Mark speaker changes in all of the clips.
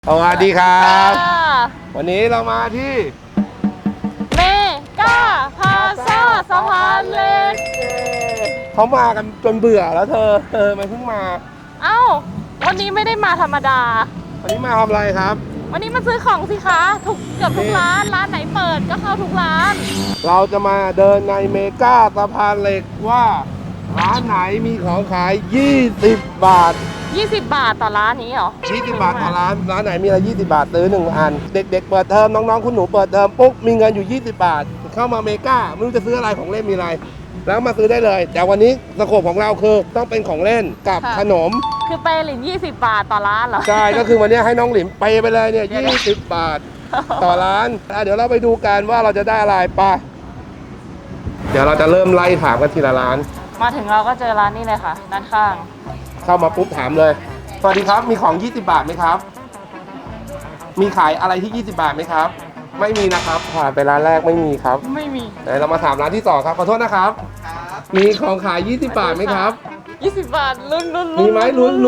Speaker 1: สวัสดีครับวันนี้เรามาที่
Speaker 2: เมกาพาซ่าสะพานเหล็ก
Speaker 1: เขามากันจนเบื่อแล้วเธอมันเพิ่งมา
Speaker 2: เอ้าวันนี้ไม่ได้มาธรรมดา
Speaker 1: วันนี้มาทำอะไรครับ
Speaker 2: วันนี้มาซื้อของสิคะเกือบทุกร้านไหนเปิดก็เข้าทุกร้าน
Speaker 1: เราจะมาเดินในเมกาสะพานเหล็กว่าร้านไหนมีของขาย20 บาท
Speaker 2: 20 บาทต่อร้านนี้เหรอ
Speaker 1: 20 บาทต่อร้านไหนมีอะไร20 บาทซื้อ1 อันเด็กๆเปิดเทอมน้องๆคุณหนูเปิดเทอมปุ๊บมีเงินอยู่20 บาทเข้ามาเมกาไม่รู้จะซื้ออะไรของเล่นมีอะไรแล้วมาซื้อได้เลยแต่วันนี้สโคปของเราคือต้องเป็นของเล่นกับขนม
Speaker 2: คือเปหลิน20 บาทต่อร้านเหรอ
Speaker 1: ใช่ก็คือวันนี้ให้น้องหลิมไปเลยเนี่ย20 บาทต่อร้านเดี๋ยวเราไปดูกันว่าเราจะได้อะไรไปเดี๋ยวเราจะเริ่มไล่ถามกันทีละร้าน
Speaker 2: มาถึงเราก็เจอร้านนี้เลยค่ะด้านข้าง
Speaker 1: เข้ามาปุ๊บถามเลยสวัสดีครับมีของ20 บาทไหมครับมีขายอะไรที่20 บาทไหมครับไม่มีนะครับผ่านไปร้านแรกไม่มีครับ
Speaker 2: ไม่มี
Speaker 1: เดี๋ยวเรามาถามร้านที่2ครับขอโทษนะครับมีของขาย20 บาทไหมครับ
Speaker 2: 20 บาทลุ้น
Speaker 1: มีไหมลุ้น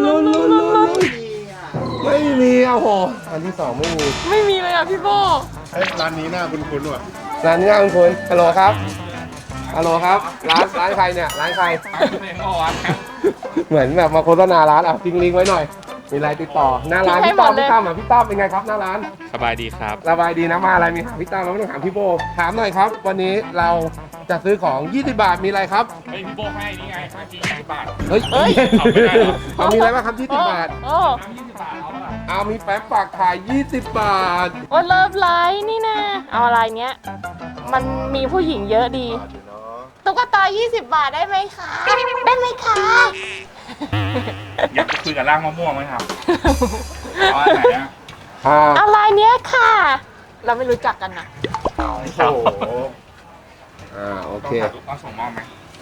Speaker 1: ไม่มีโอ้โหร้านที่2ไม่
Speaker 2: มีเลยอ่ะพี่โบ
Speaker 3: ร้านนี้น่าคุ้นๆว่ะ
Speaker 1: ร้านนี้น่าคุ้นฮัลโหลครับฮัลโหลครับร้านใครเนี่ยร้านใครเหมือนแบบมาโฆษณาร้านอ่ะทิ้งลิงก์ไว้หน่อยมีอะไรติดต่อหน้าร้านพี่ตั้มพี่ตั้มเป็นไงครับหน้าร้าน
Speaker 3: สบายดีครับ
Speaker 1: สบายดีนะมาอะไรมีถามพี่ตั้มเราไม่ต้องถามพี่โบถามหน่อยครับวันนี้เราจะซื้อของ20 บาทมีอะไรครับ
Speaker 3: เฮ้ยพี่โบให้นี่ไงให้ที่20 บาท
Speaker 1: เฮ้ยเอามีอะไรบ้างครับ20 บาท
Speaker 3: 20 บาท
Speaker 1: เอามีแป๊บฝากขาย20 บาท
Speaker 2: โอ้เลิฟไลท์นี่นะเอาอะไรเนี้ยมันมีผู้หญิงเยอะดีตุ๊กตา20 บาทได้ไหมคะได้ไหมคะ
Speaker 3: อยากคุยกับร่างมะม่วงไหมครับอะไรไหนอะ
Speaker 2: อะไรเนี้ยค่ะเราไม่รู้จักกันนะ
Speaker 1: โอ้โหโอเค
Speaker 3: ต้องส่งมอบไหม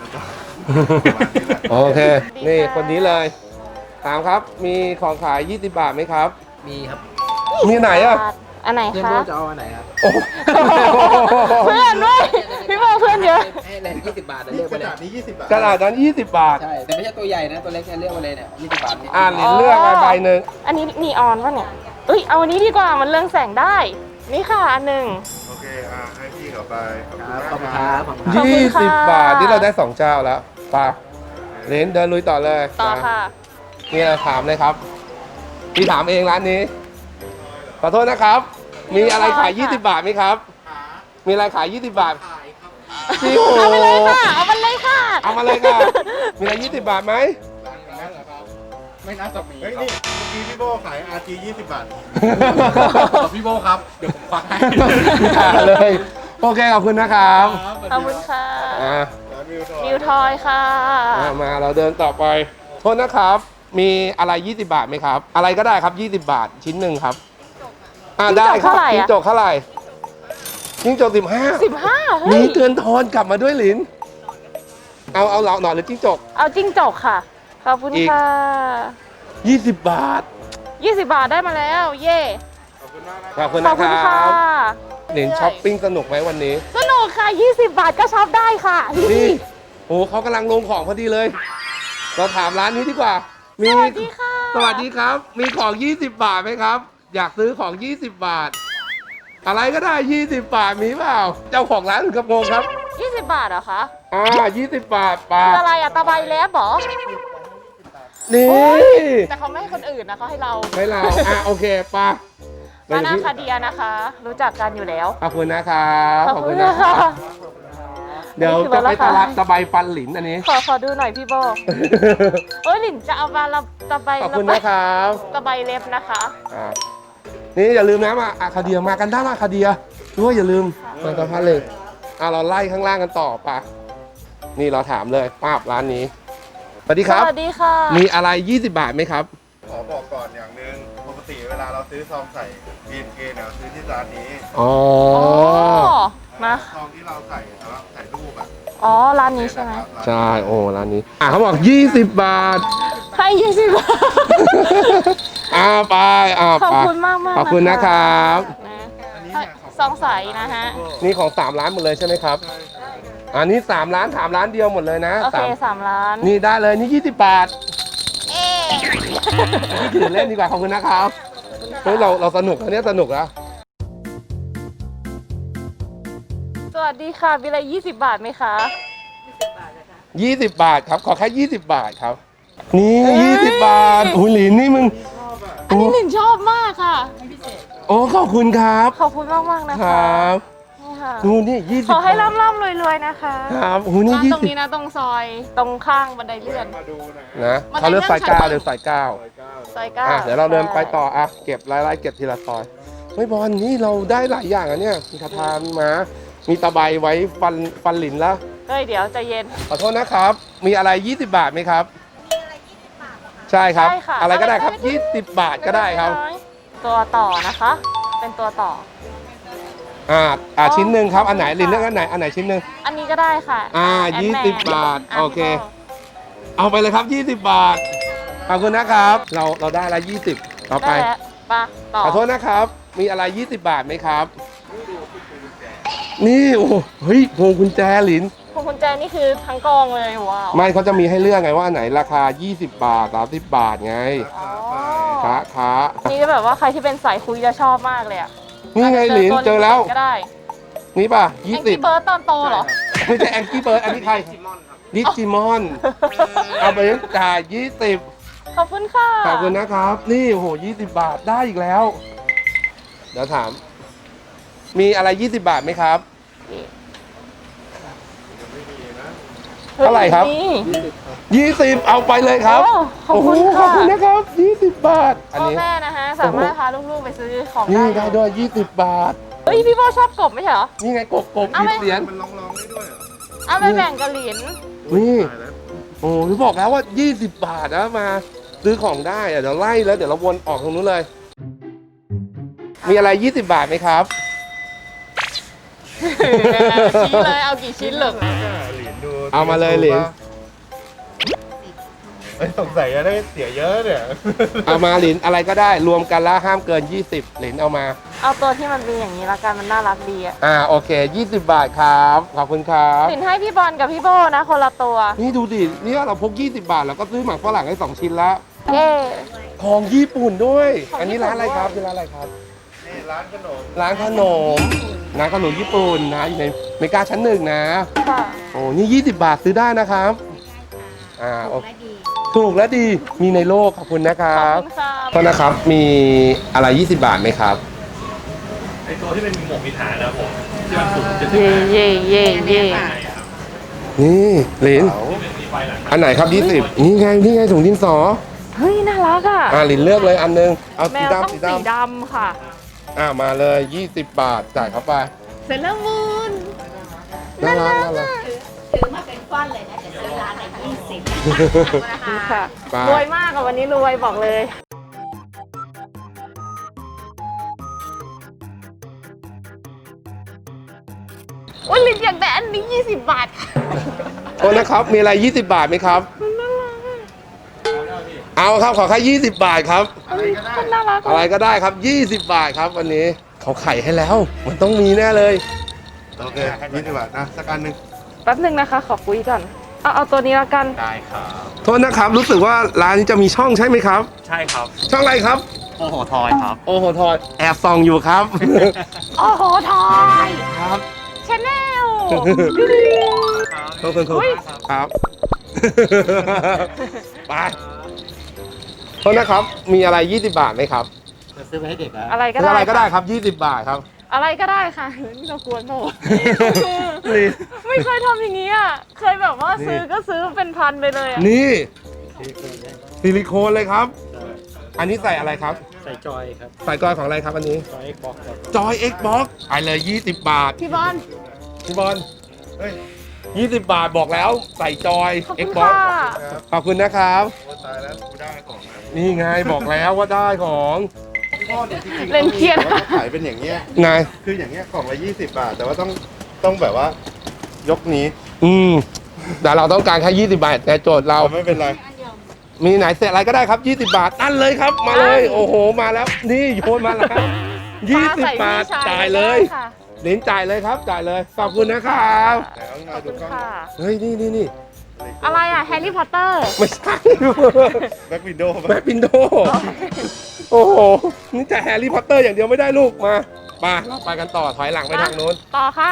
Speaker 1: โอเคนี่คนนี้เลยถามครับมีของขาย20 บาทไหมครับ
Speaker 4: มีครับ
Speaker 1: มีไหนอ่ะ
Speaker 2: อันไหนคะ
Speaker 4: เพื่อนจะเอาอันไหนครับ
Speaker 2: เพื่อนด้วยพี่โบเพื่อนเยอะ
Speaker 4: ให้เลย20 บาทเลือกไปเลย
Speaker 3: กระดาษนี้20 บาท
Speaker 1: กระดาษนั้น20 บาท
Speaker 4: ใช่แต่ไม่ใช่ตัวใหญ่นะตัวเล็กเลือกไปเลยเนี่ย20 บาท
Speaker 1: นี่เลือกใบหนึ่ง
Speaker 2: อันนี้นีออนป่ะเนี่ยเอ้ยเอาอันนี้ดีกว่ามันเรืองแสงได้นี่ค่ะอันหนึ่ง
Speaker 3: โอเคให้พี่เขาไป
Speaker 4: ขอบคุณครับ
Speaker 1: 20 บาทนี่เราได้2 เจ้าแล้วไปเลนเดินลุยต่อเลย
Speaker 2: ต่อค่ะ
Speaker 1: นี่เราถามเลยครับพี่ถามเองร้านนี้ขอโทษนะครับมีอะไรขาย20 บาทไหมครับมีอะไรขาย20 บาท
Speaker 2: เอาไปเลยค่ะเอามาเลยค่ะ
Speaker 1: เอามาเลยค่ะมีอะไร20 บาทไหม
Speaker 3: ไม่น่าจะมีเฮ้ยนี่เมื่อกี้พี่โบขาย RG 20 บาทพี่โบครับเดี๋ยวผมควักให้
Speaker 1: เลยโอเคขอบคุณนะครับ
Speaker 2: ขอบคุณค่ะนิวทอยค่ะ
Speaker 1: มาเราเดินต่อไปโทษนะครับมีอะไร20 บาทไหมครับอะไรก็ได้ครับ20 บาทชิ้นหนึ่งครับได้ครับจิ้งจกเท่าไหร่จิ้งจก15มีเงินทอนกลับมาด้วยหลินเอาเราหน่อยหรือจิ้งจก
Speaker 2: เอาจิ้งจกค่ะขอบคุณค่ะ
Speaker 1: 20 บาท
Speaker 2: 20 บาทได้มาแล้วเย่
Speaker 1: ขอบคุณนะครับหลินช้อปปิ้งสนุกไหมวันนี้
Speaker 2: สนุกค่ะ20 บาทก็ช็อปได้ค่ะ
Speaker 1: นี่โอ้เขากำลังลงของพอดีเลยเราถามร้านนี้ดีกว่า
Speaker 2: สวัสดีค่ะ
Speaker 1: สวัสดีครับมีของ20 บาทไหมครับอยากซื้อของ20 บาทอะไรก็ได้20 บาทมีเปล่าเจ้าของร้านกระโปรงครับ
Speaker 2: 20 บาทเหรอคะ
Speaker 1: 20 บาทปา
Speaker 2: คืออะไรตะไบแล้วหรอ
Speaker 1: นี่
Speaker 2: แต่เขาไม่ให้คนอื่นนะเขาให้เรา
Speaker 1: โอเคปา
Speaker 2: มานาคาเดียนะคะรู้จักกันอยู่แล้ว
Speaker 1: ขอบคุณนะครับขอบคุณนะคะเดี๋ยวจะไปตะไบฟันหลินอันนี้
Speaker 2: ขอดูหน่อยพี่โบหลินจะเอามาตะไบ
Speaker 1: ขอบคุณนะครับ
Speaker 2: ตะไบเล็บนะคะ
Speaker 1: นี่อย่าลืมนะมาคาเดียมากันได้มาคาเดียด้วยอย่าลืมมาตะพันเลยเราไล่ข้างล่างกันต่อปะนี่เราถามเลยป้าบร้านนี้สวัสดีครับ
Speaker 2: สวัสดีค่ะ
Speaker 1: มีอะไร20 บาทไหมครับ
Speaker 3: ขอบอกก่อนอย่างนึงปกติเวลาเราซื้อซองใส่ BNK เนี่ยซื้อที่ร้านนี้
Speaker 2: มา
Speaker 3: ซองที่เราใส่แล้วใส่รูป
Speaker 2: ร้านนี้ใช่ไหม
Speaker 1: ใช่ร้านนี้เขาบอก20 บาท
Speaker 2: ให้20 บาท
Speaker 1: ไป
Speaker 2: ขอบคุณมาก
Speaker 1: ขอบคุณนะครับ
Speaker 2: ซองใสนะฮะ
Speaker 1: นี่ของ3 ร้านหมดเลยใช่ไหมครับอันนี้3 ร้าน3 ร้านเดียวหมดเลยนะ
Speaker 2: โอเค3 ร้าน
Speaker 1: นี่ได้เลยนี่20 บาทนี่ถือเล่นดีกว่าขอบคุณนะครับเฮ้ยเราสนุกนะเนี่ยสนุกนะ
Speaker 2: สวัสดีค่ะมีอะไร20 บาทไหมคะ
Speaker 1: 20 บาทครับ ขอแค่ 20 บาทครับ นี่ 20 บาทอุ้ยหลินนี่มึง
Speaker 2: อันนี้หนึ่งชอบมากค่ะ
Speaker 1: โอ้ขอบคุณครับ
Speaker 2: ขอบคุณมากมากๆนะ
Speaker 1: ค
Speaker 2: คะ
Speaker 1: รับ
Speaker 2: นี่ค่ะ
Speaker 1: ดูนี่20
Speaker 2: ขอให้
Speaker 1: บาท
Speaker 2: ร่ำรวยๆนะคะ
Speaker 1: ครับโอ้โหนี่
Speaker 2: ร้านตรงนี้
Speaker 1: 20
Speaker 2: นะตรงซอยตรงข้างบันไดเลื่อน
Speaker 3: มาดูนะ
Speaker 1: นะ
Speaker 2: มัน
Speaker 1: เขาเลือกสาย
Speaker 2: ได้
Speaker 1: เก้า
Speaker 2: เรื่อง
Speaker 1: หรือสายเก้า
Speaker 2: ซอยเก้า
Speaker 1: อ่ะเดี๋ยวเราเดินไปต่ออ่ะเก็บไล่ๆเก็บทีละซอยไม่บอลนี่เราได้หลายอย่างอ่ะเนี่ยมีคาทานมามีตะไบไว้ฟันหลินแล้ว
Speaker 2: เฮ้ยเดี๋ยวใจเย็น
Speaker 1: ขอโทษนะครับ มีอะไร 20 บาทไหมครับ มีอะไร 20 บาทใช่ครับ
Speaker 2: ใช่ค่ะ
Speaker 1: อะไรก็ได้ครับ
Speaker 2: อะไรก็ได้
Speaker 1: 20 บาทก็ได้ครับ
Speaker 2: ตัวต่อนะคะ เป็นตัวต่อ
Speaker 1: ชิ้นหนึ่งครับ อันไหนหลินเลือกอันไหนชิ้นหนึ่ง
Speaker 2: อันนี้ก็ได้ค่ะ
Speaker 1: 20
Speaker 2: Ant-Man
Speaker 1: บาท
Speaker 2: ะ
Speaker 1: โอเค
Speaker 2: พี่โบ
Speaker 1: เอาไปเลยครับ 20 บาท ขอบคุณนะครับ เราได้ละ20 ต่อไป
Speaker 2: ได้แล้วปะต่อ
Speaker 1: ขอโทษนะครับ มีอะไร 20 บาทไหมครับ นี่โอ้โหเฮ้ยพวงกุญแจหลิน
Speaker 2: พวงกุญแจนี่คือทั้งกองเลยว้าว
Speaker 1: ไม่เขาจะมีให้เลือกไงว่าอันไหนราคา 20 บาท 30 บาทไง
Speaker 2: อ๋อ
Speaker 1: ค้า
Speaker 2: นี่ก็แบบว่าใครที่เป็นสายคุยจะชอบมากเลยอ่ะ
Speaker 1: นี่ไงหลินเจอแล้ว
Speaker 2: ก็ได้
Speaker 1: นี่ป่ะ
Speaker 2: แองกี้
Speaker 1: 20
Speaker 2: เบิร์ดตอนโตเหรอ
Speaker 1: ไม่ใช่แองกี้เบิร์ดอันนี้ใครดิจิมอน เอาไปจ่าย 20
Speaker 2: ขอบคุณค่ะ
Speaker 1: ขอบคุณนะครับ นี่โอ้โห20 บาทได้อีกแล้ว เดี๋ยวถาม มีอะไร 20 บาทไหมครับ เท่าไหร่ครับ
Speaker 2: นี่
Speaker 1: 20 เอาไปเลยครับ
Speaker 2: โอ้ขอบคุณ
Speaker 1: โโหข
Speaker 2: ค่ะ
Speaker 1: อบคุณนะครับ 20 บาท อัน
Speaker 2: พ่อ
Speaker 1: นี้
Speaker 2: แม่นะคะสามารถพาลูกๆไปซื้อของ
Speaker 1: นี่
Speaker 2: ได้
Speaker 1: ได้ด้วย 20 บาท
Speaker 2: เฮ้ยพี่โบชอบกบไม่ใช่เหรอ
Speaker 1: นี่ไงกบ
Speaker 2: เอาไหม
Speaker 1: 10 เหรียญ
Speaker 3: มันร้องได้ด้วยเหรอ
Speaker 2: เอาไปแบ่งกับหลิน
Speaker 1: นี่
Speaker 3: ตายแล้ว
Speaker 1: โอ้ที่บอกแล้วว่า 20 บาทนะมาซื้อของได้อะเดี๋ยวไล่แล้วเดี๋ยวเราวนออกตรงนู้นเลย มีอะไร 20 บาทไหมครับ
Speaker 2: ชี้เลยเอากี่ชิ้นเหรอ
Speaker 3: เหรียญดู
Speaker 1: เอามาเลยเหรียญ
Speaker 3: เอ้ยสงสัยจะได้เสียเยอะเนี่ย
Speaker 1: เอามาหลินอะไรก็ได้รวมกันแล้วห้ามเกิน 20หลินเอามา
Speaker 2: เอาตัวที่มันเป็นอย่างนี้ละกันมันน่ารักดีอะ
Speaker 1: โอเค 20 บาทครับ ขอบคุณครับ
Speaker 2: หลินให้พี่บอลกับพี่โบนะคนละตัว
Speaker 1: นี่ดูดิเนี่ยเราพก 20 บาทแล้วก็ซื้อหมักฝรั่งให้ 2 ชิ้นแล้ว
Speaker 2: เย้
Speaker 1: ของญี่ปุ่นด้วย
Speaker 2: ของ
Speaker 1: อันนี้
Speaker 2: ญี่ปุ่น
Speaker 1: ร้านอะไรครับ
Speaker 2: ด้วย
Speaker 1: คือร้านอะไรครับ
Speaker 3: นี่ร้านขนม
Speaker 1: ร้านขนมญี่ปุ่นนะอยู่ในเมกาชั้น 1นะ
Speaker 2: ค่ะ
Speaker 1: โอ้นี่ 20 บาทซื้อได้นะครับโอเคถูกและดีมีในโลกขอบคุณนะค
Speaker 2: ข
Speaker 1: รั
Speaker 2: อ
Speaker 1: บบ
Speaker 2: คุณค่ะ
Speaker 1: ก็นะครับมีอะไร 20 บาทไหมครับ
Speaker 5: ไอตัวที่เป็นหมวกมีฐานนะครับผมที่มันสูงจะ
Speaker 2: เย่เย่เย่เย่
Speaker 1: นี่หลิน
Speaker 5: มีไฟหลัง
Speaker 1: อันไหนครับ 20 นี่ไงถุงดินสอ
Speaker 2: เฮ้ยน่ารักอ่ะ
Speaker 1: หลินเลือกเลยอันนึงเอา
Speaker 2: แม
Speaker 1: สี
Speaker 2: วต้อง
Speaker 1: ดำสี
Speaker 2: สี
Speaker 1: ดำ
Speaker 2: ดำค่ะ
Speaker 1: มาเลย 20 บาทจ่ายเข้าไป
Speaker 2: เซเลอร์มูน
Speaker 1: น่ารัก
Speaker 6: ซื้อมาเป็นก้อนเลยนะจะซื้อร้านละ20
Speaker 2: ค่ะ
Speaker 1: ไป
Speaker 2: รวยมากอะวันนี้รวยบอกเลยโอ้ยลินอยากได้อันนี้20 บาทค่ะ
Speaker 1: โทษนะครับ มีอะไร 20 บาทไหมครับ เอาครับ ขอแค่20 บาทครับ
Speaker 2: มันน่ารัก
Speaker 1: อะไรก็ได้ครับ 20 บาทครับวันนี้ เขาไข่ให้แล้ว มันต้องมีแน่เลย
Speaker 3: โอเค20 บาทนะสักอันหนึ่ง
Speaker 2: แป๊บหนึงนะคะ ขอคุยก่อน เอาตัวนี้ละกัน
Speaker 5: ได้ครับ
Speaker 1: โทษนะครับ รู้สึกว่าร้านนี้จะมีช่องใช่ไหมครับ
Speaker 5: ใช่ครับ
Speaker 1: ช่องอะไรครับ
Speaker 5: โอ้โหทอยครับ
Speaker 1: โอ้โหทอยแอบส่องอยู่ครับ
Speaker 2: โอ้โหทอย
Speaker 1: ครับ
Speaker 2: ชาแนล
Speaker 1: ขอบคุณครู
Speaker 2: อุ๊ย
Speaker 1: ครับ ไปโทษนะครับ มีอะไร 20 บาทไหมครับ
Speaker 4: จะซื้อไปให้เด็กนะ
Speaker 2: อะไรก็
Speaker 1: ซื้อ
Speaker 2: ได้
Speaker 1: อะไรก็ได้
Speaker 2: ค่ะ
Speaker 1: ครับ 20 บาทครับ
Speaker 2: อะไรก็ได้ค่ะนี่เรากวนโห
Speaker 1: นี่
Speaker 2: ไม่เคยทำอย่างนี้อ่ะ เคยแบบว่าซื้อก็ซื้อเป็นพันไปเลยอ่ะ
Speaker 1: นี่ซิลิโคนเลยครับ อันนี้ใส่อะไรครับ
Speaker 4: ใส่จอยครับ
Speaker 1: ใส่กอยของอะไรครับอันนี้
Speaker 4: จอย Xbox ครับ
Speaker 1: จอย Xbox ไปเลย 20 บาท
Speaker 2: พี่บอล
Speaker 1: พี่บอล
Speaker 3: เฮ้ย
Speaker 1: 20 บาทบอกแล้วใส่จอย
Speaker 2: ขอบคุณ
Speaker 1: Xbox
Speaker 2: ค่ะ
Speaker 1: ขอบคุณนะครับ
Speaker 3: โอ้ตายแล้วกูได้ของนะ
Speaker 1: นี่ไงบอกแล้วว่าได้ของ
Speaker 3: พ่อเนี่ยจริงๆ
Speaker 2: เล่นเครียด
Speaker 3: เขาขายเป็นอย่างเงี้ย
Speaker 1: ไง
Speaker 3: คืออย่างเงี้ยกล่องละ20 บาท แต่ว่าต้องแบบว่ายกนี้
Speaker 1: แต่เราต้องการแค่20 บาทแต่โจทย์เรา
Speaker 3: ไม่เป็นไร
Speaker 1: มีไหนเสร็จอะไรก็ได้ครับ 20 บาท นั่นเลยครับ มาเลย โอ้โห มาแล้ว นี่โยนมาแล้ว 20 บาท จ่ายเลย
Speaker 2: ค่ะ
Speaker 1: เหรียญจ่ายเลยครับ จ่ายเลย ขอบคุณนะครับ
Speaker 3: แต่เอา
Speaker 2: ข
Speaker 3: มา
Speaker 2: อบ
Speaker 3: ดู
Speaker 2: คุณ
Speaker 3: กล้อง
Speaker 2: ค่ะ
Speaker 1: เฮ้ย นี่
Speaker 2: อะไรอ่ะ แฮร์รี่พอตเตอร์
Speaker 1: ไม่ใช่
Speaker 3: แบ็ควินโดว์
Speaker 1: แบ็ควินโดโอ้โห นี่จะแฮร์รี่พอตเตอร์อย่างเดียวไม่ได้ลูก มาเราไปกันต่อ ถอยหลังไปทางนู้น
Speaker 2: ต่อค่ะ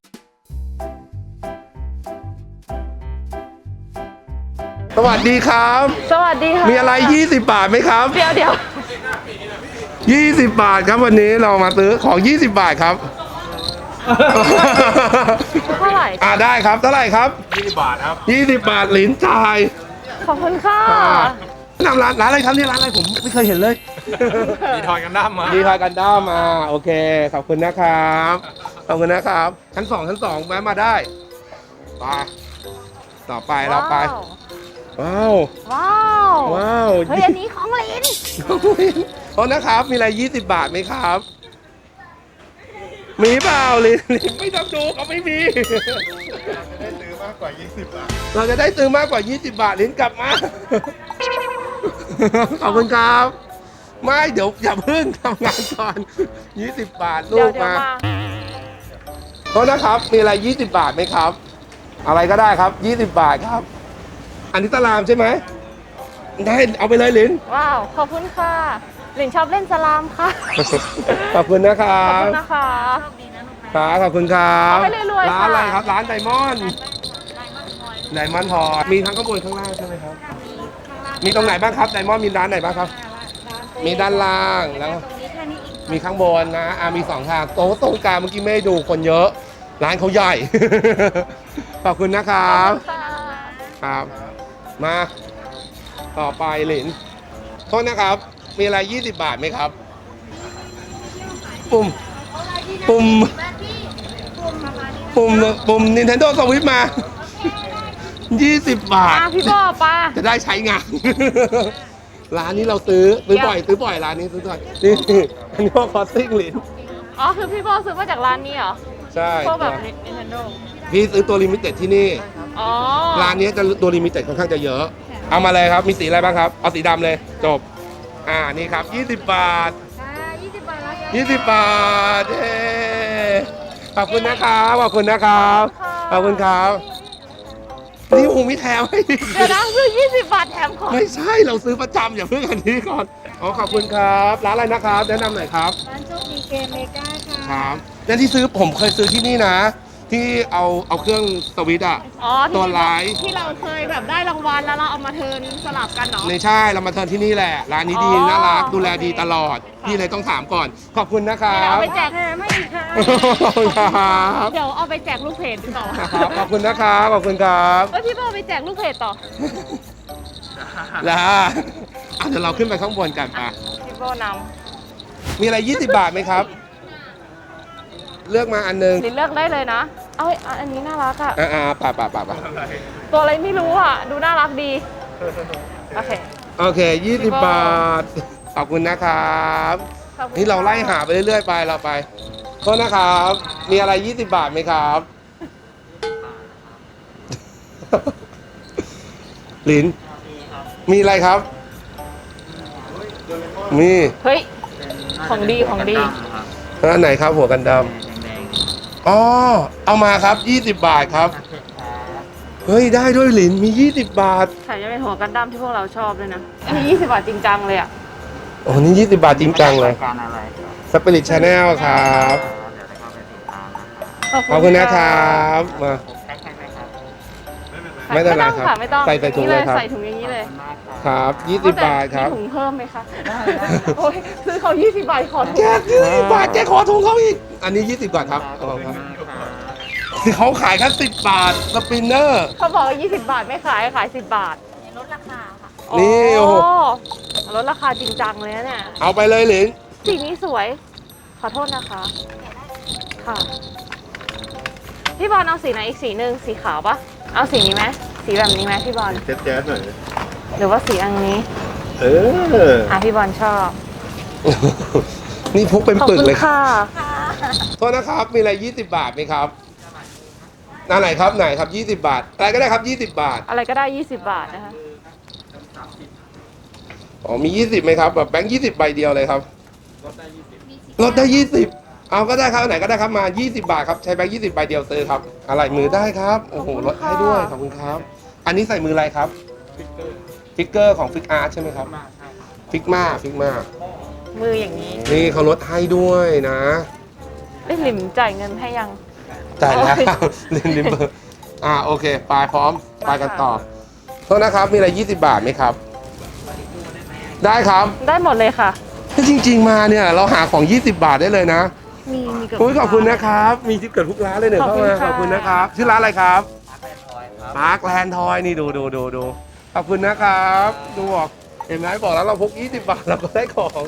Speaker 1: สวัสดีครับ
Speaker 2: สวัสดีค่ะ
Speaker 1: มีอะไร 20 บาทไหมครับ
Speaker 2: เดี๋ยว
Speaker 1: 20 บาทครับวันนี้เรามาซื้อของ 20 บาทครับ
Speaker 2: เท่าไหร่
Speaker 1: ได้ครับ เท่าไหร่ครับ
Speaker 3: 20 บาทครับ
Speaker 1: 20 บาทหลินจ่าย
Speaker 2: ขอบคุณค่ะ
Speaker 1: นำร้านอะไรครับเนี่ยร้านอะไรผมไม่เคยเห็นเลย
Speaker 3: มีทอยกันดั้มมา
Speaker 1: ดีทอยกันด้ามาโอเค ขอบคุณนะครับ ขอบคุณนะครับ ชั้นสองแวะมาได้ไปต่อไปเราไป ว้าว
Speaker 2: ว้าว
Speaker 1: ว้าว
Speaker 2: เฮ้ย อันนี้ของลิน
Speaker 1: โทษนะครับ มีอะไร 20 บาทไหมครับ มีเปล่าลินไม่ต้องดูเขาไม่มี
Speaker 3: ได้ซื้อมากกว่า 20 บาท
Speaker 1: เราจะได้ซื้อมากกว่า 20 บาทลินกลับมา ขอบคุณครับ ไม่เดี๋ยวอย่าเพิ่งทำงานก่อน 20 บาทลู
Speaker 2: เดี๋ยว
Speaker 1: กมา
Speaker 2: มา
Speaker 1: โทษนะครับ มีอะไร 20 บาทไหมครับ อะไรก็ได้ครับ 20 บาทครับ อันนี้ตารามใช่ไหม ได้ เอาไปเลยลิน
Speaker 2: ว้าว ขอบคุณค่ะลินชอบเล่นสลามค่ะ
Speaker 1: ขอบคุณนะครั
Speaker 2: ขอบบ คุณนะคะ
Speaker 1: ครับขอบคุณครับ
Speaker 2: เอาไปรวยๆ
Speaker 1: ร้านอะไร
Speaker 2: ค่ะ
Speaker 1: ครับ ร้านไดมอนด์ไดมอนด์พอร์ตมีทั้งข้างบนข้างล่างใช่ไหมครับ มีตรงไหนบ้างครับไดมอนด์มีร้านไหนบ้างครับ มีด้านล่างแล้ว มีข้างบนนะมีสองทางโต๊ะตรงกลางเมื่อกี้ไม่ได้ดูคนเยอะ ร้านเขาใหญ่ ขอบคุณนะครับ
Speaker 2: ค่ะ
Speaker 1: ครับ มาต่อไปหลินโทษนะครับ มีอะไร 20 บาทไหมครับ ปุ่ม Nintendo Switch มา 20 บาท
Speaker 2: พี่บอป้า
Speaker 1: จะได้ใช้งาน ร้านนี้เราซื้อบ่อยร้านนี้ซื้อบ่อยนี่อันนี้พวกคอสซิ่งหลิน
Speaker 2: อ๋อ คือพี่บอซื้อมาจากร้านนี้เหรอ
Speaker 1: ใช่
Speaker 2: พวกแบบ Nintendo
Speaker 1: พี่ซื้อตัวลิมิเต็ดที่นี่
Speaker 2: อ๋อ
Speaker 1: ร้านนี้จะตัวลิมิเต็ดค่อนข้างจะเยอะ เอามาเลยครับ มีสีอะไรบ้างครับ เอาสีดำเลย จบ นี่ครับ 20 บาท 20 บาทเย้ขอบคุณนะครับ ขอบคุณนะครับ ขอบคุณครับ นี่โอ้โหมีแถมให้อีก
Speaker 2: เดี๋ยวนะซื้อ20 บาทแถมของ
Speaker 1: ไม่ใช่ เราซื้อประจำอย่าเพิ่งอันนี้ก่อน ขอบคุณครับ ร้านอะไรนะครับ แนะนำหน่อยครับ
Speaker 6: ร้านโชคดีเกมเมกาค่ะ
Speaker 1: ครับและที่ซื้อผมเคยซื้อที่นี่นะ ที่เอาเครื่องสวิตช์อะ
Speaker 2: อ๋อ
Speaker 1: ตัวร้าย
Speaker 2: ที่เราเคยแบบได้รางวัลแล้วเราเอามาเทิร์นสลับกันเนาะ
Speaker 1: ไม่ใช่เรามาเทิร์นที่นี่แหละ ร้านนี้ดี
Speaker 2: อ๋อ
Speaker 1: น่ารักดูแล
Speaker 2: โอเค
Speaker 1: ดีตลอด พี่เลยต้องถามก่อน ขอบคุณนะครั
Speaker 2: เดี๋ยว
Speaker 1: บ
Speaker 2: เอาไปแจก
Speaker 6: ไม่ดีค่ะ
Speaker 1: ขอบคุณครับ
Speaker 2: เดี๋ยวเอาไปแจกลูกเพจต่อ
Speaker 1: ครับขอบคุณนะครับขอบคุณครับ
Speaker 2: เอ้ยพี่บอไปแจกลูกเพจต่อ
Speaker 1: แล้วเดี๋ยวเราขึ้นไปข้างบนกันปะ
Speaker 2: พี่บอนำ
Speaker 1: มีอะไร 20 บาทไหมครับ เลือกมาอันนึง
Speaker 2: ลินเลือกได้เลยนะ เอ้ยอันนี้น่ารักอะ
Speaker 1: ป่ะ
Speaker 2: ตัวอะไรไม่รู้อะดูน่ารักดี โอเค
Speaker 1: โอเค 20 บาท ขอบคุณนะครับ
Speaker 2: ขอบคุณ
Speaker 1: นี่เราไล่หา
Speaker 2: ค่ะ
Speaker 1: ไปเรื่อยๆไปเราไปโทษนะครับ มีอะไร 20 บาทไหมครับ ลิน มีอะไรครับ มี
Speaker 2: เฮ้ย ของดีของดี
Speaker 1: อันไหนครับหัวกันดำอ๋อ เอามาครับ 20 บาทครับ เฮ้ย ได้ด้วยหลิน มี 20 บาท
Speaker 2: ใส่จะเป็นหัวกันดั้มที่พวกเราชอบเลยนะ อันนี้20 บาทจริงจังเลยอะ
Speaker 1: โอ้นี่ 20 บาทจริงจังเลย
Speaker 4: การอะไร
Speaker 1: สปิริตชาแนลครับ ขอบคุณนะครับมา ไม่เป็นไรครับ
Speaker 2: ค่ะไม่ต้อง
Speaker 1: ใส่ถุงเลยครับ
Speaker 2: ใส่ถุงอย่างนี้เลย
Speaker 1: ครับ 20 บาทครับ
Speaker 2: มีถุงเพิ่มไหมคะโอ้ยซื้อเขา20 บาทขอถุง
Speaker 1: แก20 บาทแกขอถุงเขาอีก อันนี้ 20 บาทครับเอาครับคือเขาขายแค่10 บาท สปินเนอร์
Speaker 2: เขาบอกว่า20 บาทไม่ขายขาย10 บาท
Speaker 6: ลดราคาค่ะ
Speaker 1: นี่โอ้โห
Speaker 2: ลดราคาจริงจังเลยนะเนี่ย
Speaker 1: เอาไปเลยหลิน
Speaker 2: สีนี้สวย ขอโทษนะคะ ค่ะ พี่บอลเอาสีไหนอีกสีหนึ่งสีขาวปะเอาสีนี้ไหมสีแบบนี้ไหมพี่บอล
Speaker 3: แจ๊สหน่อย
Speaker 2: หรือว่าสีอันนี้
Speaker 3: เออ
Speaker 2: พี่บอลชอบ
Speaker 1: นี่พกเป็น
Speaker 2: ขอบ
Speaker 1: ปึก
Speaker 2: คุณ
Speaker 1: เลย
Speaker 2: ค่ะ
Speaker 1: โทษนะครับ มีอะไร 20 บาทไหมครับไหนครับ ไหนครับ 20 บาท อะไรก็ได้ครับ 20 บาท
Speaker 2: อะไรก็ได้ 20 บาทนะคะ
Speaker 1: อ๋อ มี 20ไหมครับ แบบแบงค์20 ใบเดียวเลยครับ ลดได้ 20 เอาก็ได้ครับ ไหนก็ได้ครับ มา 20 บาทครับ ใช้แบงค์20 ใบเดียวซื้อครับ อะไรมือได้ครับ โอ้โห ลดให้ด้วย ขอบคุณครับ อันนี้ใส่มืออะไรครับ ฟิกเกอร์ของฟิกอาร์ตใช่ไหมครับฟิกมาฟิกมา
Speaker 2: มืออย่างนี้
Speaker 1: นี่เขาลดให้ด้วยนะ
Speaker 2: เอ้ยหลิมจ่ายเงินให้ยัง
Speaker 1: จ่ายแล้ว
Speaker 2: โอ้ย
Speaker 1: ลิมเบอร์โอเคไปพร้อมไปกันต่อ
Speaker 2: มาค่ะ
Speaker 1: โทษนะครับมีอะไร20 บาทไหมครับ ได้ครับ
Speaker 2: ได้หมดเลยค่ะ
Speaker 1: ถ้าจริง ๆมาเนี่ยเราหาของ 20 บาทได้เลยนะ
Speaker 2: มีเกือบ
Speaker 1: โอ้ยขอบคุณนะครับ มีทิปเกิดทุกร้านเลยเนี่ย
Speaker 2: ขอบ
Speaker 1: เข้า
Speaker 2: คุณ
Speaker 1: มา
Speaker 2: ค่ะ
Speaker 1: ขอบคุณนะครับชื่อร้านอะไรครับปาร์คแลนด์ทอยนี่ดูขอบคุณนะครับดูบอกเห็นไหมบอกแล้วเราพก20 บาทเราก็ได้ของ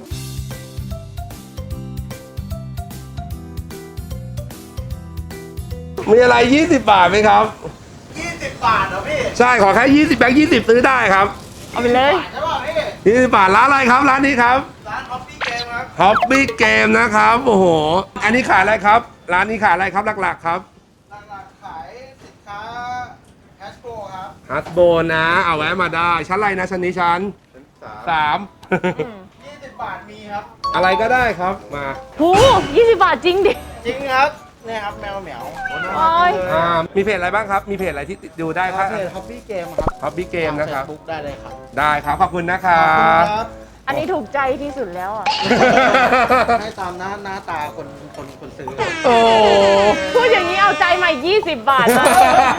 Speaker 1: มีอะไร20 บาทไหมครับ20 บาทเหรอพี่ใช่ขอแค่20แบงค์20ซื้อได้ครับ
Speaker 2: เอาไปเลย
Speaker 1: 20 บาทร้านอะไรครับร้านนี้ครับร้านฮอปปี้เกมครับฮอปปี้เกมนะครับโอ้โหอันนี้ขายอะไรครับร้านนี้ขายอะไรครับหลักๆครับขายสินค้าฮัสโบครับฮัสโบนะเอาแวะมาได้ชั้นอะไรนะชั้นนี้ชั้น3
Speaker 3: 20 บาทมีครับ
Speaker 1: อะไรก็ได้ครับมา
Speaker 2: หู20 บาทจริงดิ
Speaker 3: จริงครับเนี่ยครับแมวเหมียว
Speaker 2: โอ้ย
Speaker 1: มีเพจอะไรบ้างครับมีเพจอะไรที่ดูได้ครับ
Speaker 3: เพจฮอปปี้เกมครับ
Speaker 1: ฮอปปี้เกมนะครับ
Speaker 3: บุ๊กได้เลยครับ
Speaker 1: ได้ครับขอบคุณนะครั
Speaker 3: ขอบคุณ
Speaker 1: บ
Speaker 3: ครับ
Speaker 2: อันนี้ถูกใจที่สุดแล้วอ่ะ
Speaker 3: ให้ตามหน้าตาคนซื้อ
Speaker 1: โอ้
Speaker 2: พูดอย่างนี้เอาใจใหม่20 บาทเลย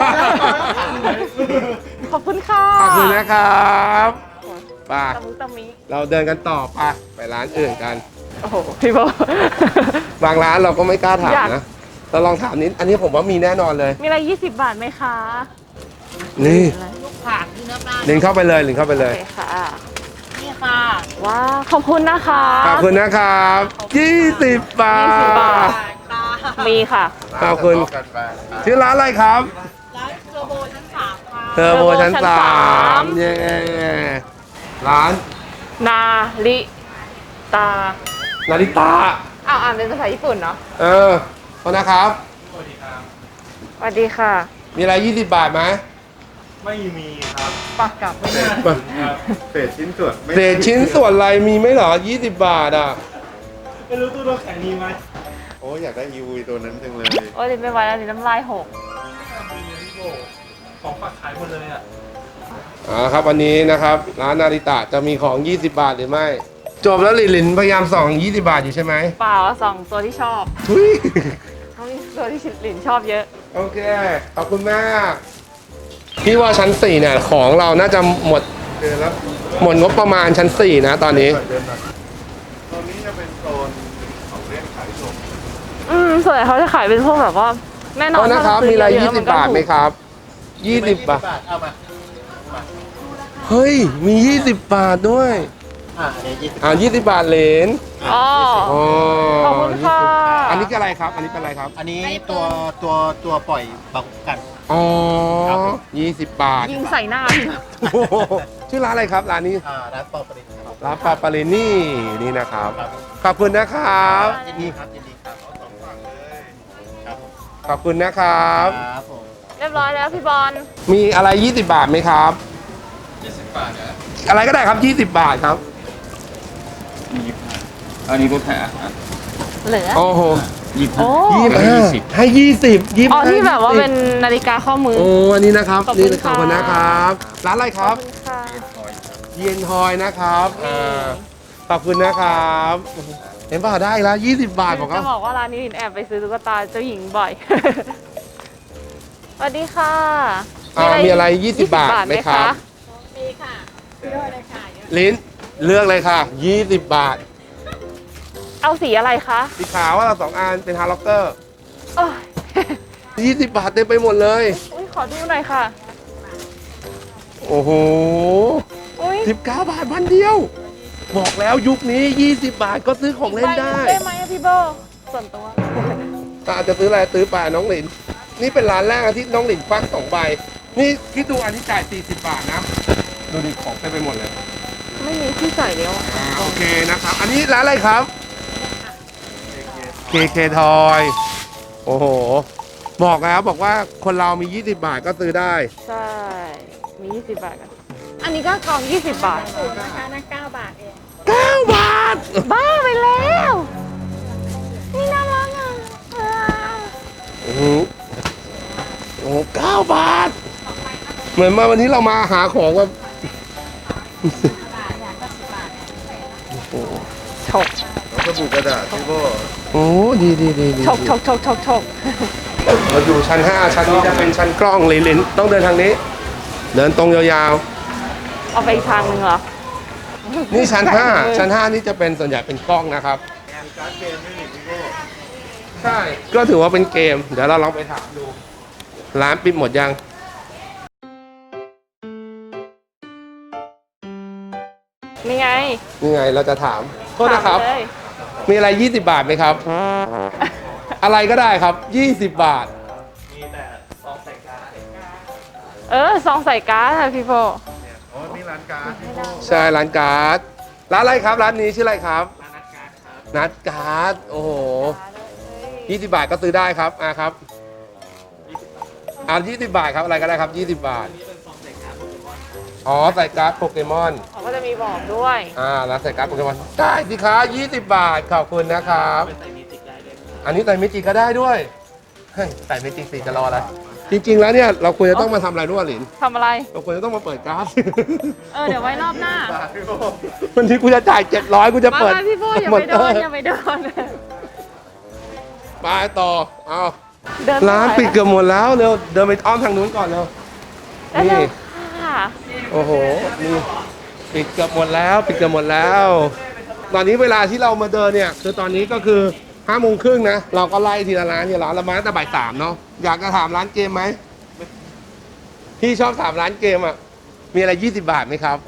Speaker 2: ขอบคุณค่ะ
Speaker 1: ขอบคุณนะครับไป
Speaker 2: ตะมุตะมิ
Speaker 1: เราเดินกันต่อไปร้านอื่นกัน
Speaker 2: โอ้โหพี่โบบ
Speaker 1: างร้านเราก็ไม่กล้าถาม
Speaker 2: อยาก
Speaker 1: นะเราลองถามนิดอันนี้ผมว่ามีแน่นอนเลย
Speaker 2: มีอะไร20 บาทไหมคะ
Speaker 1: นี่
Speaker 6: ลูกผักที่น้ำปลา
Speaker 1: ลิงเข้าไปเลยลิงเข้าไปเล
Speaker 2: โอย เคค่ะ
Speaker 6: นี่ค่ะ
Speaker 2: ว้าวขอบคุณนะคะ
Speaker 1: ขอบคุณนะครับ20 บาท
Speaker 2: 20 บาท
Speaker 6: ค่ะ
Speaker 2: มีค่ะ
Speaker 1: ขอบคุณชื่อร้านอะไรครับ
Speaker 6: ร้านเทอร์โบชั้น3ค่ะ
Speaker 1: เทอร์โบชั้น
Speaker 2: เทอร์โบชั้น
Speaker 1: 3เย้ร้าน
Speaker 2: นาริตา
Speaker 1: นาริตา
Speaker 2: อ้าวอ่านเป็นภาษาญี่ปุ่นเนาะ
Speaker 1: ขอบนะครับ
Speaker 2: สวัสดีค่ะ
Speaker 1: มีอะไร20 บาทไหม
Speaker 5: ไม่มีครับ
Speaker 2: ปากกลับ
Speaker 5: ครับ
Speaker 3: เศษชิ้นส่วน
Speaker 1: เศษชิ้นส่วนอะไรมีไหมเหรอ20 บาทอ่ะ
Speaker 5: ไม่รู้ตู้น้ำแข็งมีไหม
Speaker 3: โอ้อยากได้อีวีตัวนั้นจังเลย
Speaker 2: โอ้ยไม่ไหวแล้วนี่น้ำลายหก
Speaker 5: ของฝากขายหมดเลยอ่ะ
Speaker 1: ครับวันนี้นะครับร้านนาริตะจะมีของ 20 บาทหรือไม่ จบแล้วหลินพยายามส่อง 20 บาทอยู่ใช่ไหม
Speaker 2: เปล่าสองตัวที่ชอบ
Speaker 1: ทุย
Speaker 2: เขามีตัวที่หลินชอบเยอะ
Speaker 1: โอเค ขอบคุณมากพี่ว่าชั้น 4 เนี่ย ของเราน่าจะหมด
Speaker 3: เดือนละ
Speaker 1: หมดงบประมาณชั้น 4 นะตอนนี้
Speaker 3: เดือนละตอนนี้จะเป็นโซนของเล่นขายส่ง
Speaker 2: ส่วนใหญ่เขาจะขายเป็นพวกแบบว่าแน่นอ
Speaker 1: ก็
Speaker 2: น
Speaker 1: นะครับ
Speaker 2: ถ้าเาซื้
Speaker 1: มีอะไร
Speaker 2: เย
Speaker 1: 20 บาทไหมครับ 20 บาท
Speaker 3: เอามา
Speaker 1: เฮ้ย มี 20 บาทด้วย
Speaker 3: อันนี้20
Speaker 1: 20 บาทเหรน
Speaker 2: อ๋อ
Speaker 1: อ๋อ
Speaker 2: ขอบคุณค่ะ
Speaker 1: อันนี้คืออะไรครับ อันนี้เป็นอะไรครับ
Speaker 3: อันนี้ตัวปล่อยบังกัน
Speaker 1: อ๋อ
Speaker 3: ครับผม
Speaker 1: 20 บาท
Speaker 2: ยิงใส่หน้าพี่
Speaker 1: โอ้โหชื่อร้านอะไรครับร้านนี้
Speaker 3: ร้านปอปรินครับ
Speaker 1: ร้านปลาปาลินี่นี่นะครับ ขอบคุณนะครับ
Speaker 3: ยินดีครับยินดีครับเอาสองฝั่งเลยครับผม
Speaker 1: ขอบคุณนะครับ
Speaker 3: ครับผม
Speaker 2: เรียบร้อยแล้วพี่บอล
Speaker 1: มีอะไร 20 บาทไหมครับ
Speaker 3: 20 บาทนะ
Speaker 1: อะไรก็ได้ครับ 20 บาทครับ
Speaker 4: อันนี้ลดแผล
Speaker 2: เหลือ
Speaker 1: โอ้โห
Speaker 2: โอ้
Speaker 1: 25ให้20
Speaker 2: อ๋อที่แบบว่าเป็นนาฬิกาข้อมือ
Speaker 1: โอ้อันนี้นะครับ
Speaker 2: ขอบคุณ
Speaker 1: นี่ขอบคุณ
Speaker 2: ค่ะ
Speaker 1: นะครับ ร้านอะไรครับ
Speaker 2: ขอบคุณค่ะ
Speaker 1: เย็นทอยนะครับขอบคุณนะครับ เห็นป่ะได้แล้ว 20 บาทบอก
Speaker 2: จะ
Speaker 1: เขา
Speaker 2: บอกว่าร้านนี้ลินแอบไปซื้อตุ๊กตาเจ้าหญิงบ่อย สวัสดีค่ะ
Speaker 1: มีอะไร 20 บาทไหมครับ
Speaker 6: มีค่ะพี่โดเลยค่ะเยอะ
Speaker 1: ลิ้นเลือกเลยค่ะ 20 บาท
Speaker 2: เอาสีอะไรคะ
Speaker 1: สีขาวว่าเรา2 อันเป็นฮาร์ล็อกเกอร์
Speaker 2: โอ้ย
Speaker 1: 20 บาทเต็มไปหมดเลย
Speaker 2: อุ๊ยขอดูหน่อยค่ะ
Speaker 1: โอ้โห
Speaker 2: อุ้ย
Speaker 1: 19 บาทพันเดียว บอกแล้วยุคนี้ 20 บาทก็ซื้อของเล่นได้
Speaker 2: ได้ไหมอะพี่โบส่วนตัว
Speaker 1: อาจจะซื้ออะไรซื้อไปน้องหลิน นี่เป็นร้านแรกที่น้องหลินควัก2 ใบ นี่คิดดูอันที่จ่าย 40 บาทนะ ดูดิของเต็มไปหมดเลย
Speaker 2: ไม่มีที่ใส่แล้วอะ
Speaker 1: โอเคนะครับ อันนี้ร้านอะไรครับ KK Toy โอ้โห บอกแล้วบอกว่าคนเรามี 20 บาทก็ซื้อได้
Speaker 2: ใช่ มี 20 บาทกัน อันนี้ก็กล่อง 20 บาท
Speaker 6: ถูกนะคะนั่น9 บาทเอง
Speaker 1: 9 บาท
Speaker 2: บ้าไปแล้ว นี่น่ารักอ่ะ
Speaker 1: โอ้โหโอ้โห9 บาท เหมือนมาวันนี้เรามาหาของแบบ
Speaker 6: บาทอยากก็10 บาท
Speaker 2: ฉก
Speaker 3: แล้วก็บุกกระดาษพี่โบ
Speaker 1: โอ้ดีดีดีดี
Speaker 2: ฉกฉกฉกฉกฉก
Speaker 1: เราอยู่ชั้น 5 ชั้นนี้จะเป็นชั้นกล้องลินต้องเดินทางนี้ เดินตรงยาว
Speaker 2: เอาไปอีกทางหนึ่งเหรอ
Speaker 1: ๆ นี่ชั้น 5 ชั้น 5 นี่จะเป็นส่วนใหญ่เป็นกล้องนะครับ
Speaker 3: การ์ดเกมไม่มีพี่โบ
Speaker 1: ใช่ ก็ถือว่าเป็นเกม เดี๋ยวเราลองไปถามดู ร้านปิดหมดยัง
Speaker 2: นี่ไง
Speaker 1: นี่ไงเราจะถาม โทษนะครับ
Speaker 2: ถามเลย
Speaker 1: มีอะไร 20 บาทไหมครับ อะไรก็ได้ครับ 20 บาท
Speaker 5: มีแต่ซองใส่การ์ด
Speaker 2: ซองใส่การ์ดค่ะพี่โบ
Speaker 3: อ๋อนี่ร้านการ์ดพี่โบ
Speaker 1: ใช่ ร้านการ์ด ร้านอะไรครับ ร้านนี้ชื่ออะไรครับ นัดการ์ด โอ้โห 20 บาทก็ซื้อได้ครับครับ20 บาทครับ อะไรก็ได้ครับ 20 บาท อ๋อ ใส่การ์ดโปเกมอน
Speaker 2: เขาก็จะมีบอกด้วย
Speaker 1: ร้านใส่การ์ดโปเกมอน ได้สิคะ20 บาท ขอบคุณนะครับ อันนี้ใส่เมจิกก็ได้ด้วย เฮ้ย ใส่เมจิกสิจะรออะไร จริง ๆ แล้วเนี่ย เราควรจะต้องมาทำอะไรรู้ป่ะหลิน
Speaker 2: ทำอะไร
Speaker 1: เราควรจะต้องมาเปิดการ์ด
Speaker 2: เดี๋ยวไว้รอบหน้า
Speaker 3: บาทพี่โบ
Speaker 1: วันนี้กูจะจ่าย700กูจะเปิด
Speaker 2: มาพี่โบอย่าไปโดนอย่าไปโดน
Speaker 1: ไปต่อ เอา
Speaker 2: เดิน
Speaker 1: ร้านปิดเกือบหมดแล้วเร็ว เดินไปอ้อมทางนู้นก่อนเร็ว
Speaker 2: นี่
Speaker 1: นี่
Speaker 2: ค่ะ
Speaker 1: โอ้โห นี่ปิดเกือบหมดแล้ว ปิดเกือบหมดแล้ว ตอนนี้เวลาที่เรามาเดินเนี่ย คือตอนนี้ก็คือ5 โมงครึ่งนะ เราก็ไล่ทีละร้านทีละร้านเรามาตั้งแต่บ่าย 3เนาะ อยากจะถามร้านเกมไหม พี่ชอบถามร้านเกมอ่ะ มีอะไร 20 บาทไหมครับ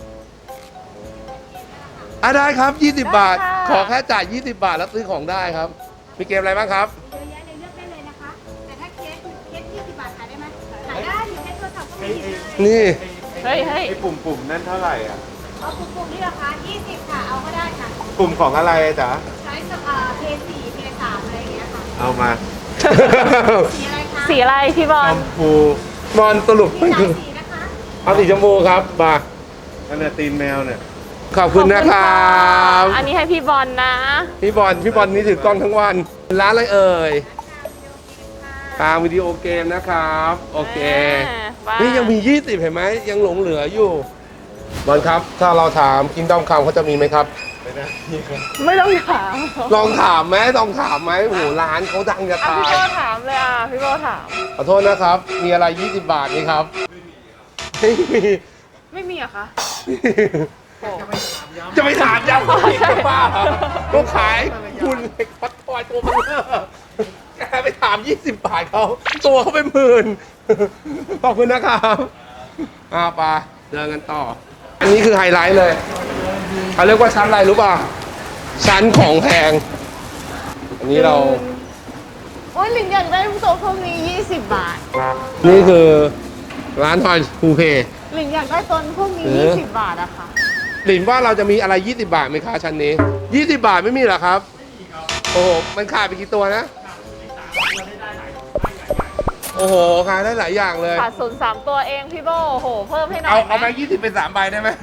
Speaker 1: ได้ครับ 20 บาท ขอแค่จ่าย 20 บาทแล้วซื้อของได้ครับ มีเกมอะไรบ้างครับ
Speaker 6: เยอะแยะเลยเลือกได้เลยนะคะ แต่ถ้าเคส20 บาทขายได้ไหมขายได้อยู่ในโทรศัพท์ก็มีนะ
Speaker 1: นี่
Speaker 2: เฮ้ยเฮ้ย
Speaker 3: ไอ้ปุ่มนั่นเท่าไหร่อ่ะ
Speaker 6: เอาปุ่มๆนี่ราคา20 ค่ะ เอาก็ได้ค่ะ
Speaker 3: ปุ่มของอะไรจ๊ะ
Speaker 6: ใช้เพย์4เพย์3อะไรอย่างเงี้ยค่ะ
Speaker 3: เอามา
Speaker 6: สีอะไรคะ
Speaker 2: สีอะไรพี่บอ
Speaker 3: ช
Speaker 2: ล
Speaker 3: มพู
Speaker 1: บอลสรุป
Speaker 6: มี
Speaker 1: มัน
Speaker 6: หลา
Speaker 1: คื
Speaker 6: ย
Speaker 1: อ
Speaker 6: สีนะคะ
Speaker 1: เอาสีชมพูครับมา
Speaker 3: อันนี้ตีนแมวเนี่ย
Speaker 1: ขอบคุณนะครับ
Speaker 2: อันนี้ให้พี่บอลนะ
Speaker 1: พี่บอลนี่ถือกล้องทั้งวัน ร้านอะไรเอ่ยตามวิดีโอเกมนะครับ โอเค
Speaker 2: บ้า
Speaker 1: นี่ยังมี 20 เห็นไหมยังหลงเหลืออยู่ บอลครับ ถ้าเราถามคิงดอมคำเขาจะมีไหมครับ
Speaker 3: ไม่ได้นี่ครับ
Speaker 2: ไม่ต้องถาม
Speaker 1: ลองถามไหมโอ้โหร้านเขาดังจะตา
Speaker 2: พี่
Speaker 1: ย
Speaker 2: โบถามเลยพี่โบถาม
Speaker 1: ขอโทษนะครับ มีอะไร 20 บาทไหมครับไม่มี
Speaker 2: ไม่มีเหรอคะโอ้
Speaker 1: จะไปถามย้ำ
Speaker 2: ใช่
Speaker 1: บ้าเหรอก็ขายคุณเล็กพัดทอยตัวเบลอแกไปถาม 20 บาทเขาตัวเขาเป็นหมื่น ขอบคุณนะครับไปเดินกันต่อ อันนี้คือไฮไลท์เลยเขาเรียกว่าชั้นอะไรรู้ป่ะ ชั้นของแพง อันนี้เรา
Speaker 2: โอ้ยหลิงอยากได้โต๊ะพวกนี้20 บาท
Speaker 1: นี่คือร้านทอยภูเพ
Speaker 2: หลิงอยากได้ต้นพวกนี้
Speaker 1: เออ
Speaker 2: 20 บาทอะค่ะ
Speaker 1: หลินว่าเราจะมีอะไร 20 บาทไหมคะชั้นนี้ 20 บาทไม่มีเหรอครับ โอ้โห มันขายไปกี่ตัวนะ โอ้โห ขายได้หลายอย่างเลย
Speaker 2: ขาดศูนย์3 ตัวเองพี่โบโอ้โห เพิ่มให้หน่
Speaker 1: เอา
Speaker 2: อย
Speaker 1: เอา
Speaker 2: ไห
Speaker 1: แบ
Speaker 2: ม
Speaker 1: งค์20 เป็น 3 ใบได้ไหม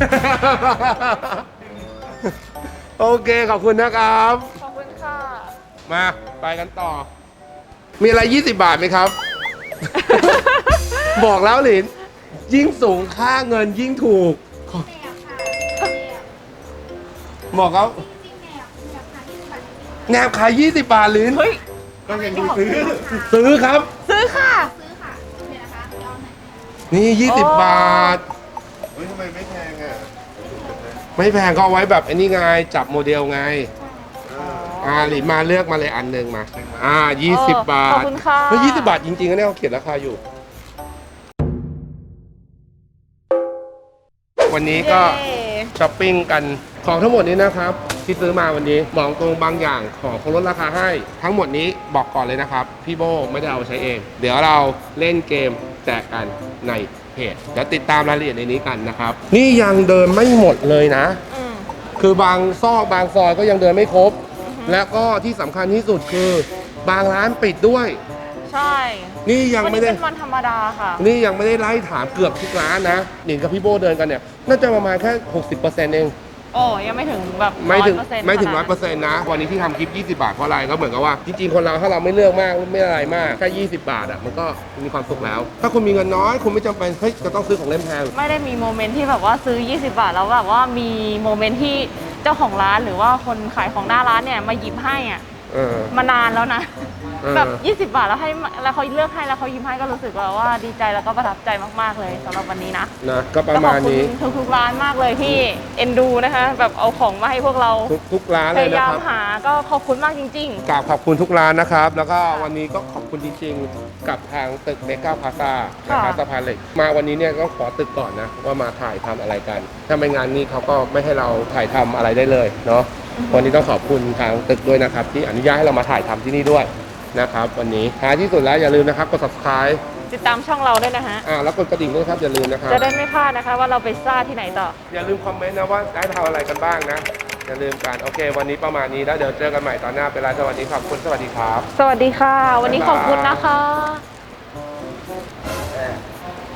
Speaker 1: โอเค ขอบคุณนะครับ
Speaker 2: ขอบคุณค่ะ
Speaker 1: มาไปกันต่อ มีอะไร 20 บาทไหมครับ บอกแล้วหลิน ยิ่งสูงค่าเงินยิ่งถูก
Speaker 6: แนวค่ะแนว
Speaker 1: บอกแล้ว
Speaker 6: จริงๆแนวค่ะ20 บาท
Speaker 1: แนบขาย 20 บาทหลิน
Speaker 2: เฮ้ย
Speaker 3: ก็ยังดูซื้อ
Speaker 1: ซื้อครับ
Speaker 2: ซื้อค่ะ
Speaker 6: ซื้อค่ะเดี๋ยวนะคะเอาหน่อย
Speaker 1: นี่
Speaker 2: อ๋อ
Speaker 1: 20 บาท
Speaker 3: เฮ้ยทำไมไม่แพงอ่ะ
Speaker 1: ไม่แพงก็เอาไว้แบบไอ้นี่ไง จับโมเดลไง หลินมาเลือกมาเลยอันหนึ่งมา 20 บา
Speaker 2: ขอบ
Speaker 1: ท
Speaker 2: คุณค่ะ
Speaker 1: เฮ้ย20 บาทจริงๆนะเนี่ยเขาเขียนราคาอยู่ วันนี้ก็
Speaker 2: เย้
Speaker 1: ช้อปปิ้งกันของทั้งหมดนี้นะครับ ที่ซื้อมาวันนี้บอกตรงบางอย่างของเขาลดราคาให้ ทั้งหมดนี้บอกก่อนเลยนะครับ พี่โบไม่ได้เอาไปใช้เอง เดี๋ยวเราเล่นเกมแจกกันในเพจเดี๋ยวติดตามรายละเอียดในนี้กันนะครับ นี่ยังเดินไม่หมดเลยนะ
Speaker 2: อืม
Speaker 1: คือบางซอกบางซอยก็ยังเดินไม่ครบ และก็ที่สำคัญที่สุดคือบางร้านปิดด้วย
Speaker 2: ใช่
Speaker 1: นี่ยัง
Speaker 2: วัน
Speaker 1: ไม่
Speaker 2: นี้
Speaker 1: ได้
Speaker 2: เป็นวันธรรมดาค่ะ
Speaker 1: นี่ยังไม่ได้ไล่ถามเกือบทุกร้านนะหนิงกับพี่โบเดินกันเนี่ย น่าจะประมาณแค่ 60%เอง
Speaker 2: โอ้ยังไม่ถึงแบบ
Speaker 1: ไม่ถึง
Speaker 2: 100%
Speaker 1: ไม่ถึง
Speaker 2: ขนาดนั้น
Speaker 1: 100%นะวันนี้ที่ทำคลิป 20 บาทเพราะอะไรก็เหมือนกับว่าจริงๆคนเราถ้าเราไม่เลือกมากไม่อะไรมากแค่20 บาทอ่ะมันก็มีความสุขแล้ว ถ้าคุณมีเงินน้อยคุณไม่จำเป็นเฮ้ยจะต้องซื้อของเล่นแพง
Speaker 2: ไม่ได้มีโมเมนต์ที่แบบว่าซื้อ 20 บาทแล้วแบบว่ามีโมเมนต์ที่เจ้าของร้านหรือว่าคนขายของหน้าร้านเนี่ยมาหยิบให้อ่ะ
Speaker 1: เออ
Speaker 2: มานานแล้วนะ
Speaker 1: เออ
Speaker 2: แบบ 20 บาทแล้วให้แล้วเขาเลือกให้แล้วเขายิ้มให้ก็รู้สึกว่าดีใจแล้วก็ประทับใจมากๆเลยสำหรับวันนี้นะ
Speaker 1: นะก็ประมาณนี้
Speaker 2: ก็ขอบคุณทุกๆร้านมากเลยที่เอ็นดูนะคะ แบบเอาของมาให้พวกเรา
Speaker 1: ทุกร้าน
Speaker 2: พ
Speaker 1: เลย
Speaker 2: ยา
Speaker 1: นะ
Speaker 2: ยาม
Speaker 1: ครับ
Speaker 2: หาก็ขอบคุณมากจริง
Speaker 1: กราบขอบคุณทุกร้านนะครับ แล้วก็วันนี้ก็ขอบคุณจริงๆ กับทางตึกเมกาพาซานะครับสะพานเหล็กมาวันนี้เนี่ยก็ขอตึกก่อนนะว่ามาถ่ายทำอะไรกัน ถ้าไม่งานนี้เขาก็ไม่ให้เราถ่ายทำอะไรได้เลยเนาะวันนี้ต้องขอบคุณทางตึกด้วยนะครับ ที่อนุญาตให้เรามาถ่ายทำที่นี่ด้วยนะครับ วันนี้ท้ายที่สุดแล้วอย่าลืมนะครับกด subscribe
Speaker 2: ๆ ติดตามช่องเราด้วยนะฮะ
Speaker 1: แล้วกดกระดิ่งด้วยครับอย่าลืมนะครับ
Speaker 2: จะได้ไม่พลาดนะคะว่าเราไปซ่าที่ไหนต่อ
Speaker 1: อย่าลืมคอมเมนต์นะว่าได้ทำอะไรกันบ้างนะอย่าลืมกันโอเค วันนี้ประมาณนี้แล้วเดี๋ยวเจอกันใหม่ตอนหน้าเป็นไรสวัสดีครับคุณสวัสดีครับ
Speaker 2: สวัสดีค่ะ วันนี้
Speaker 1: บ๊ายบาย
Speaker 2: ขอบคุณนะคะ